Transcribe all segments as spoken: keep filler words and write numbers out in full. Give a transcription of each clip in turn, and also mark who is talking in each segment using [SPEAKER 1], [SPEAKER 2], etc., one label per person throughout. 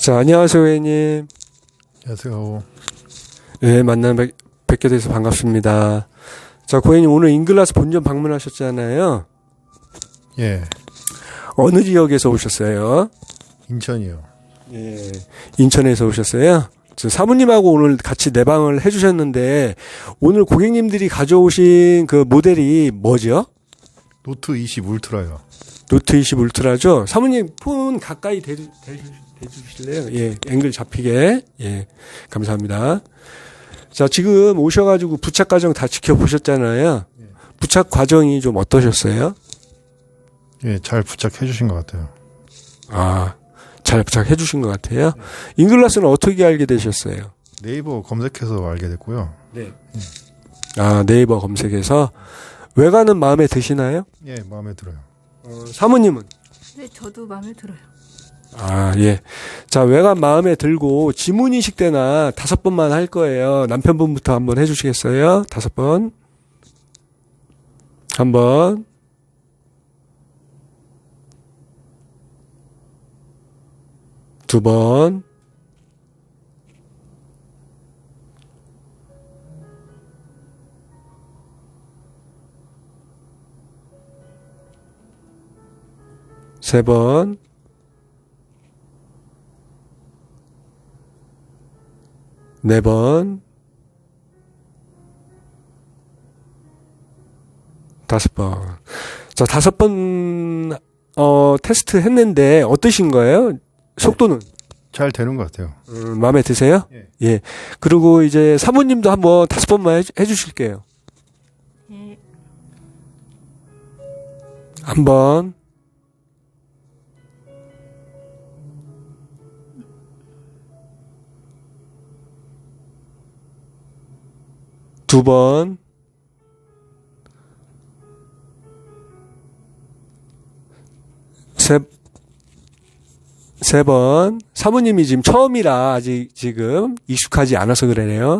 [SPEAKER 1] 자, 안녕하세요, 고객님.
[SPEAKER 2] 안녕하세요.
[SPEAKER 1] 네, 만나 뵙, 뵙게 돼서 반갑습니다. 자, 고객님 오늘 인글라스 본점 방문하셨잖아요.
[SPEAKER 2] 예.
[SPEAKER 1] 어느 지역에서 오셨어요?
[SPEAKER 2] 인천이요.
[SPEAKER 1] 예, 인천에서 오셨어요. 저 사모님하고 오늘 같이 내방을 해주셨는데 오늘 고객님들이 가져오신 그 모델이 뭐죠?
[SPEAKER 2] 노트 이십 울트라요.
[SPEAKER 1] 노트 이십 울트라죠? 사모님 폰 가까이 대주, 대주, 대주실래요? 예, 앵글 잡히게. 예, 감사합니다. 자, 지금 오셔가지고 부착 과정 다 지켜보셨잖아요.
[SPEAKER 2] 예.
[SPEAKER 1] 부착 과정이 좀 어떠셨어요?
[SPEAKER 2] 예, 잘 부착해 주신 것 같아요.
[SPEAKER 1] 아, 잘 부착해 주신 것 같아요. 네. 인글라스는 어떻게 알게 되셨어요?
[SPEAKER 2] 네이버 검색해서 알게 됐고요.
[SPEAKER 1] 네. 예. 아, 네이버 검색해서. 외관은 마음에 드시나요?
[SPEAKER 2] 예, 마음에 들어요.
[SPEAKER 1] 어, 사모님은?
[SPEAKER 3] 네, 저도 마음에 들어요.
[SPEAKER 1] 아, 예. 자, 외관 마음에 들고 지문인식 때나 다섯 번만 할 거예요. 남편분부터 한번 해주시겠어요? 다섯 번. 한 번. 두 번. 세 번. 네 번. 다섯 번. 자, 다섯 번, 어, 테스트 했는데 어떠신 거예요? 속도는?
[SPEAKER 2] 잘 되는 것 같아요.
[SPEAKER 1] 음, 마음에 드세요?
[SPEAKER 2] 예.
[SPEAKER 1] 예. 그리고 이제 사모님도 한번 다섯 번만 해주, 해주실게요.
[SPEAKER 3] 예.
[SPEAKER 1] 한 번. 두 번. 세, 세 번. 사모님이 지금 처음이라 아직 지금 익숙하지 않아서 그러네요.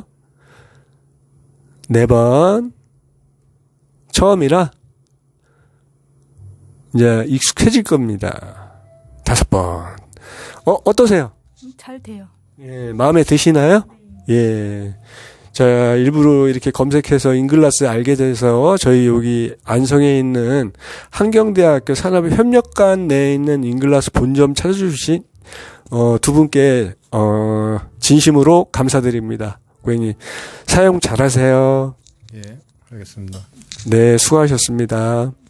[SPEAKER 1] 네 번. 처음이라 이제 익숙해질 겁니다. 다섯 번. 어, 어떠세요?
[SPEAKER 3] 잘 돼요.
[SPEAKER 1] 예, 마음에 드시나요? 예. 자, 일부러 이렇게 검색해서 인글라스 알게 돼서 저희 여기 안성에 있는 한경대학교 산업협력관 내에 있는 인글라스 본점 찾아주신 어, 두 분께 어, 진심으로 감사드립니다. 고객님 사용 잘하세요.
[SPEAKER 2] 예, 알겠습니다.
[SPEAKER 1] 네, 수고하셨습니다.